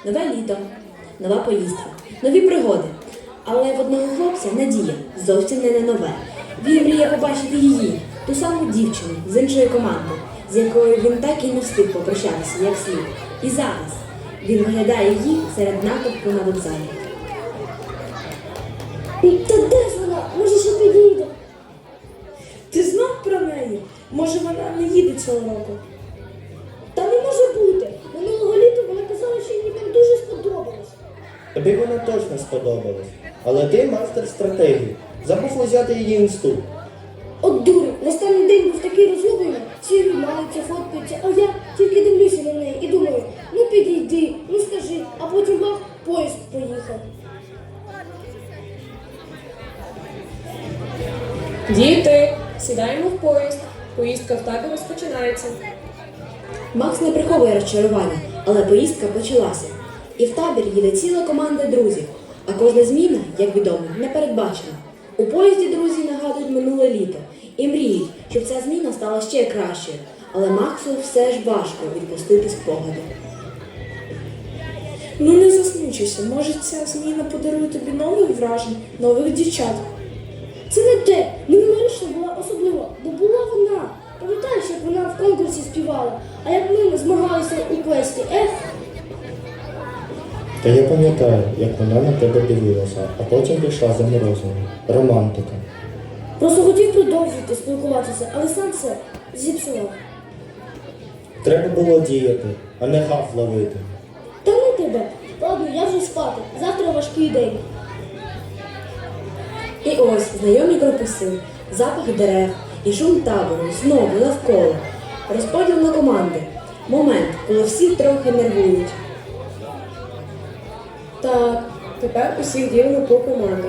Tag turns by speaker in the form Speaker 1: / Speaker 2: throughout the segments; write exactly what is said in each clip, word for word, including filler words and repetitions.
Speaker 1: Нове літо, нова поїздка, нові пригоди. Але в одного хлопця надія зовсім не на нове. Він мріє побачити її, ту саму дівчину з іншої команди, з якою він так і не встиг попрощатися, як слід. І зараз він виглядає її серед натовпу на вокзалі.
Speaker 2: Та де ж вона? Може, ще підійде?
Speaker 3: Ти знав про неї? Може, вона не їде цього року?
Speaker 2: Та не може бути. Минулого літа вона казала, що їй там дуже сподобалось.
Speaker 4: Тобі вона точно сподобалась. Але ти мастер стратегії. Забув взяти її інсту.
Speaker 2: От дурень, на останній день був такий розгублений, всі обіймаються, фоткаються, а я тільки дивлюся на неї і думаю, ну підійди, ну скажи, а потім бах, поїзд поїхав.
Speaker 5: Діти, сідаємо в поїзд. Поїздка в табір розпочинається.
Speaker 1: Макс не приховує розчарування, але поїздка почалася. І в табір їде ціла команда друзів. А кожна зміна, як відомо, не передбачена. У поїзді друзі нагадують минуле літо і мріють, щоб ця зміна стала ще кращою. Але Максу все ж важко відпустити спогади.
Speaker 3: Ну не засмучуйся, може ця зміна подарує тобі нових вражень, нових дівчат.
Speaker 2: Це не те, минулорічна була особлива, бо була вона. Пам'ятаєш, як вона в конкурсі співала, а як ми змагалися у квесті, ех?
Speaker 4: Та я пам'ятаю, як вона на тебе дивилася, а потім пішла за морозивом. Романтика.
Speaker 2: Просто хотів продовжити спілкуватися, але сам все зіпсував.
Speaker 4: Треба було діяти, а не гав ловити.
Speaker 2: Та ну тебе, ладно, я вже спати, завтра важкий день.
Speaker 1: І ось знайомі корпуси, запах дерев і шум табору знову навколо. Розподіл на команди. Момент, коли всі трохи нервують.
Speaker 5: Так, тепер усіх ділимо по командах.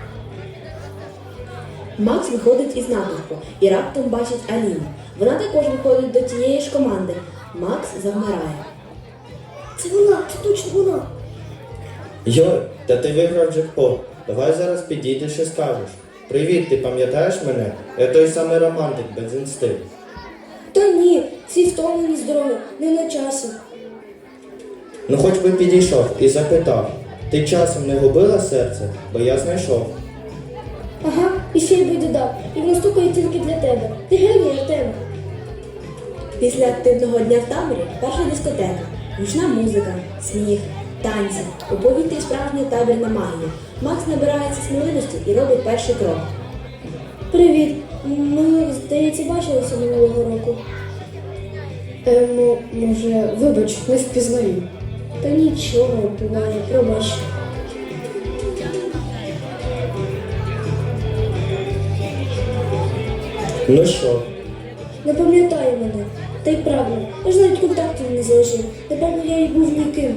Speaker 1: Макс виходить із натовпу і раптом бачить Аліну. Вона також виходить до тієї ж команди. Макс завмирає.
Speaker 2: Це вона, це точно вона.
Speaker 4: Йой, та ти виграв джекпот. Давай зараз підійдеш і скажеш. Привіт, ти пам'ятаєш мене? Я той самий романтик без інсти.
Speaker 2: Та ні, всі втомлені з дороги, не на часі.
Speaker 4: Ну хоч би підійшов і запитав. Ти часом не губила серце, бо я знайшов.
Speaker 2: Ага, і ще й би додав, і воно стукає тільки для тебе. Ти геній, Артем.
Speaker 1: Після активного дня в таборі перша дискотека. Гучна музика, сміх, танці. У повітрі справжня табірна магія. Макс набирається сміливості і робить перший крок.
Speaker 2: Привіт. Ми, здається, бачилися минулого року.
Speaker 5: Е, ну, може, вибач, не впізнаю.
Speaker 2: Та нічого, буває, пробач.
Speaker 4: Ну що?
Speaker 2: Не пам'ятаю мене. Та й правильно, я ж навіть контактів не залишив. Напевно, я й був ніким.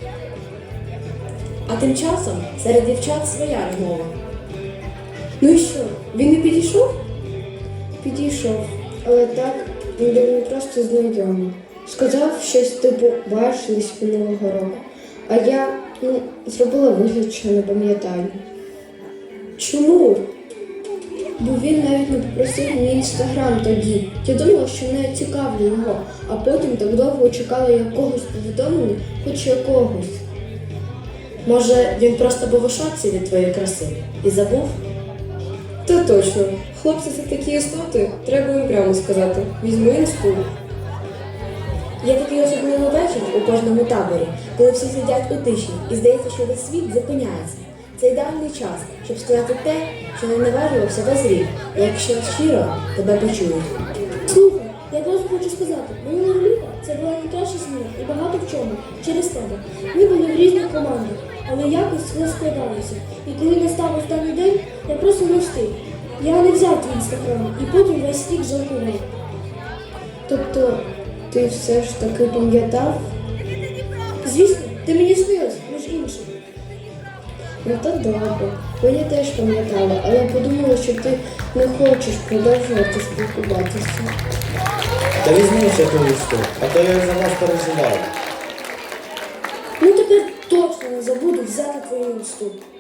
Speaker 1: А тим часом серед дівчат своя розмова.
Speaker 5: Ну і що, він не підійшов?
Speaker 3: Підійшов, але так, він був не просто знайомий. Сказав щось типу бачились минулого року. А я, ну, зробила вигляд, що не пам'ятаю.
Speaker 5: Чому?
Speaker 3: Бо він навіть не попросив мій інстаграм тоді. Я думала, що не цікавлю його, а потім так довго чекала якогось повідомлення, хоч якогось.
Speaker 1: Може, він просто був у шоці від твоєї краси і забув?
Speaker 5: Та точно. Хлопці це такі істоти, треба їм прямо сказати. Візьми інсту.
Speaker 1: Є такий особливий вечір у кожному таборі, коли всі сидять у тиші і здається, що весь світ зупиняється. Це ідеальний час, щоб сказати те, що не наважувався весь рік, і якщо щиро тебе почують.
Speaker 2: Слухай, я просто хочу сказати, минулого літа це була найкраща зміна і багато в чому, через тебе. Ми були в різних командах, але якось все складалося. І коли настав останній день, я просто не встиг. Я не взяв твій інстаграм і потім весь рік жалкував.
Speaker 3: Тобто, ти все ж таки пам'ятав?
Speaker 2: Звісно, ти мені снилась, між іншим.
Speaker 3: Ну то добре. Бо я теж пам'ятала, але подумала, що ти не хочеш продовжувати спілкуватися.
Speaker 4: Та візьми ще ту інсту, а то я за вас переживав.
Speaker 2: Ну тепер точно не забуду взяти твою інсту.